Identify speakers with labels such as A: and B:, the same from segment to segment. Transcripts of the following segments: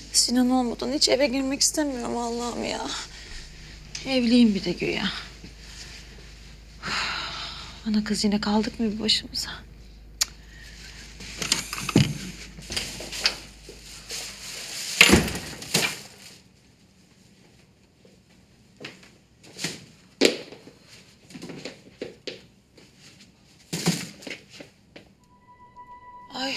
A: Sinan olmadan hiç eve girmek istemiyorum Allah'ım ya. Evliyim bir de güya. Ana kız yine kaldık mı bir başımıza? Ay.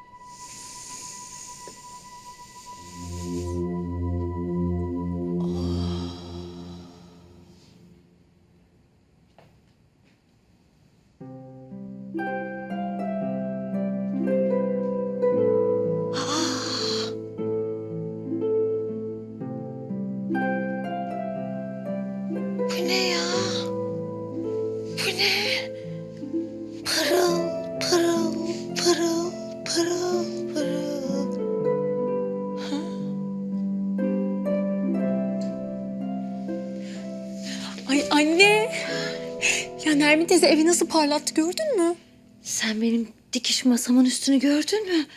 A: Bu ne ya? Bu ne? Pırıl, pırıl, pırıl, pırıl, pırıl. Ha?
B: Ay anne. Ya Nermin teyze evi nasıl parlattı gördün mü?
A: Sen benim dikiş masamın üstünü gördün mü?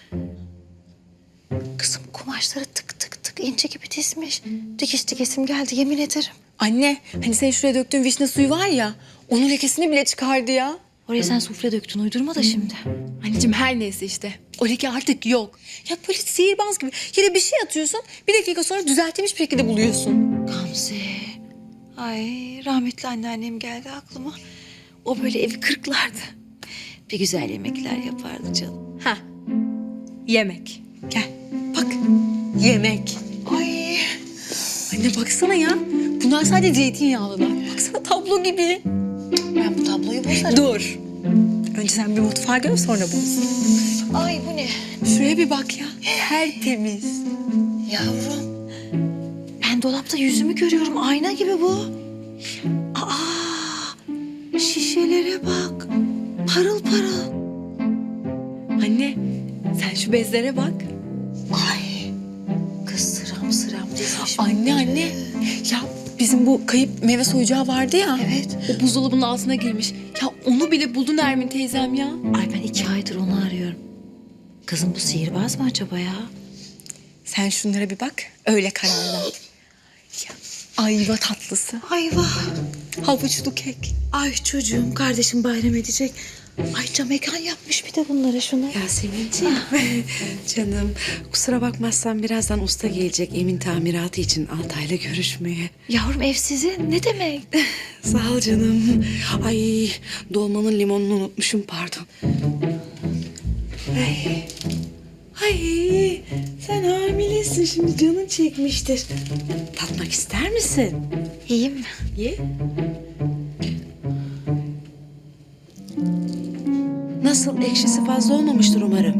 A: Kızım kumaşları tık tık tık ince gibi dizmiş. Dikiş dikesim geldi yemin ederim.
B: Anne hani senin şuraya döktüğün vişne suyu var ya. Onun lekesini bile çıkardı ya.
A: Oraya sen sufle döktün uydurma da şimdi.
B: Anneciğim her neyse işte. O leke artık yok. Ya böyle sihirbaz gibi yere bir şey atıyorsun. Bir dakika sonra düzeltilmiş bir şekilde buluyorsun.
A: Gamze. Ay rahmetli anneannem geldi aklıma. O böyle evi kırklardı. Bir güzel yemekler yapardı canım.
B: Ha. Yemek. Gel bak. Yemek.
A: Ay.
B: Anne baksana ya. Bunlar sadece zeytinyağlılar. Baksana tablo gibi.
A: Ben bu tabloyu bozarım.
B: Dur. Önce sen bir mutfağa gör sonra boz.
A: Ay bu ne?
B: Şuraya bir bak ya. Tertemiz.
A: Yavrum. Ben dolapta yüzümü görüyorum. Ayna gibi bu. Aa, şişelere bak. Parıl parıl.
B: Anne sen şu bezlere bak.
A: Ay. Kız sıram sıram dizmiş.
B: Anne anne. Ya bizim bu kayıp meyve soyacağı vardı ya.
A: Evet.
B: O buzdolabının altına girmiş. Ya onu bile buldu Nermin teyzem ya.
A: Ay ben 2 aydır onu arıyorum. Kızım bu sihirbaz mı acaba ya?
B: Sen şunlara bir bak. Öyle karar ver. Ya, ayva tatlısı.
A: Ayva.
B: Havuçlu kek.
A: Ay çocuğum kardeşim bayram edecek. Ayça mekan yapmış bir de bunlara şuna.
C: Yasemin'ciğim. Canım kusura bakmazsan birazdan usta gelecek Emin tamiratı için Altay'la görüşmeye.
A: Yavrum ev sizin ne demek?
C: Sağ ol canım. Ay dolmanın limonunu unutmuşum pardon. Ay. Ay sen hamilesin şimdi canın çekmiştir. Tatmak ister misin?
A: İyiyim mi?
C: Ye. Nasıl ekşisi fazla olmamıştır umarım.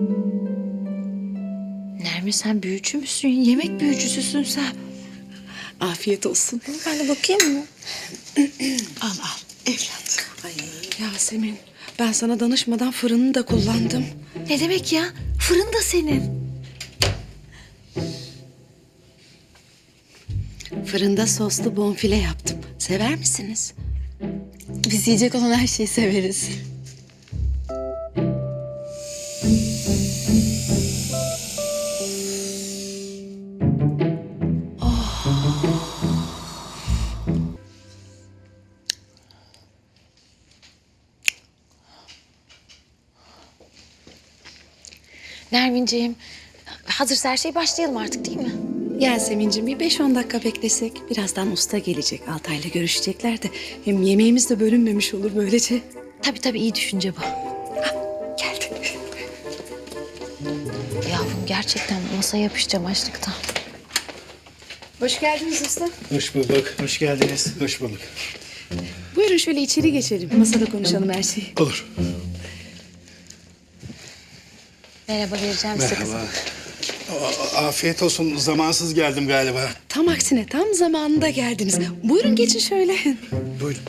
A: Nermin sen büyücü müsün? Yemek büyücüsüsün sen.
C: Afiyet olsun.
B: Ben de bakayım mı?
C: Al evlat. Ay Yasemin ben sana danışmadan fırını da kullandım.
A: Ne demek ya? Fırın da senin.
C: Fırında soslu bonfile yaptım. Sever misiniz?
B: Biz yiyecek olan her şeyi severiz.
A: Nerminciğim hazırsa her şey başlayalım artık değil mi?
C: Yasemin'cim bir 5-10 dakika beklesek. Birazdan usta gelecek. Altay'la görüşecekler de. Hem yemeğimiz de bölünmemiş olur böylece.
A: Tabii iyi düşünce bu.
C: Geldi.
A: Yavrum gerçekten masaya yapışacağım açlıktan.
C: Hoş geldiniz usta.
D: Hoş bulduk. Hoş geldiniz. Hoş bulduk.
C: Buyurun şöyle içeri geçelim. Masada konuşalım her şeyi.
D: Olur.
A: Merhaba vereceğim size kızım.
D: Merhaba. Afiyet olsun. Zamansız geldim galiba.
C: Tam aksine tam zamanında geldiniz. Buyurun geçin şöyle.
D: Buyurun.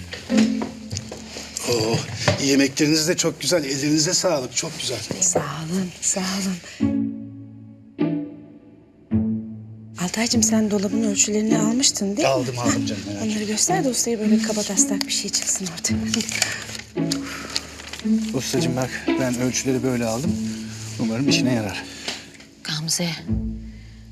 D: Oo, yemekleriniz de çok güzel. Ellerinize sağlık. Çok güzel.
C: Sağ olun, sağ olun. Altaycığım sen dolabın ölçülerini almıştın değil mi?
D: Aldım canım. Merak etme.
C: Onları göster de ustaya böyle kaba taslak bir şey çıksın artık.
D: Ustacığım bak ben ölçüleri böyle aldım. Umarım işine yarar.
A: Gamze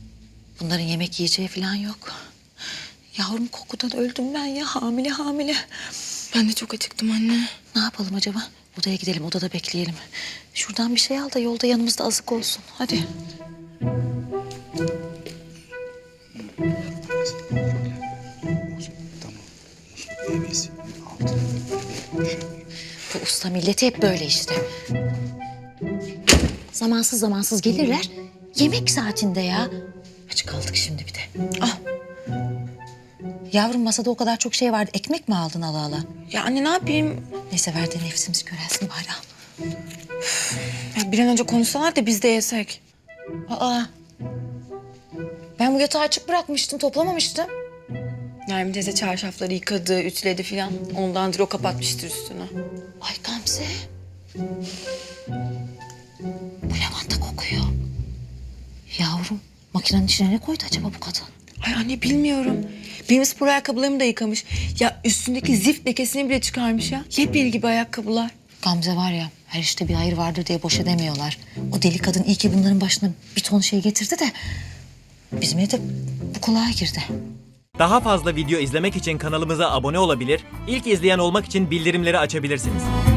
A: Bunların yemek yiyeceği falan yok. Yavrum kokudan öldüm ben ya, hamile hamile.
B: Ben de çok acıktım anne.
A: Ne yapalım acaba? Odaya gidelim, odada bekleyelim. Şuradan bir şey al da yolda yanımızda azık olsun. Hadi.
D: Tamam. Meyvesinin altına böyle bir
A: Bu usta milleti hep böyle işte. Zamansız zamansız gelirler. Yemek saatinde ya. Aç kaldık şimdi bir de. Ah. Yavrum masada o kadar çok şey vardı. Ekmek mi aldın ala ala?
B: Ya anne ne yapayım?
A: Neyse ver de nefsimiz körelsin bari al.
B: Ya bir an önce konuşsalar da biz de yesek.
A: Aa. Ben bu yatağı açık bırakmıştım, toplamamıştım.
B: Nermin teyze çarşafları yıkadı, ütüledi filan. Ondandır o kapatmıştır üstünü.
A: Ay Gamze. Bu lavanta kokuyor. Yavrum makinenin içine ne koydu acaba bu kadın?
B: Ay anne bilmiyorum. Benim spor ayakkabılarımı da yıkamış. Ya üstündeki zift lekesini bile çıkarmış ya. Yepyeni gibi ayakkabılar.
A: Gamze var ya her işte bir hayır vardır diye boş edemiyorlar. O deli kadın iyi ki bunların başına bir ton şey getirdi de bizim evde bu kulağa girdi.
E: Daha fazla video izlemek için kanalımıza abone olabilir, ilk izleyen olmak için bildirimleri açabilirsiniz.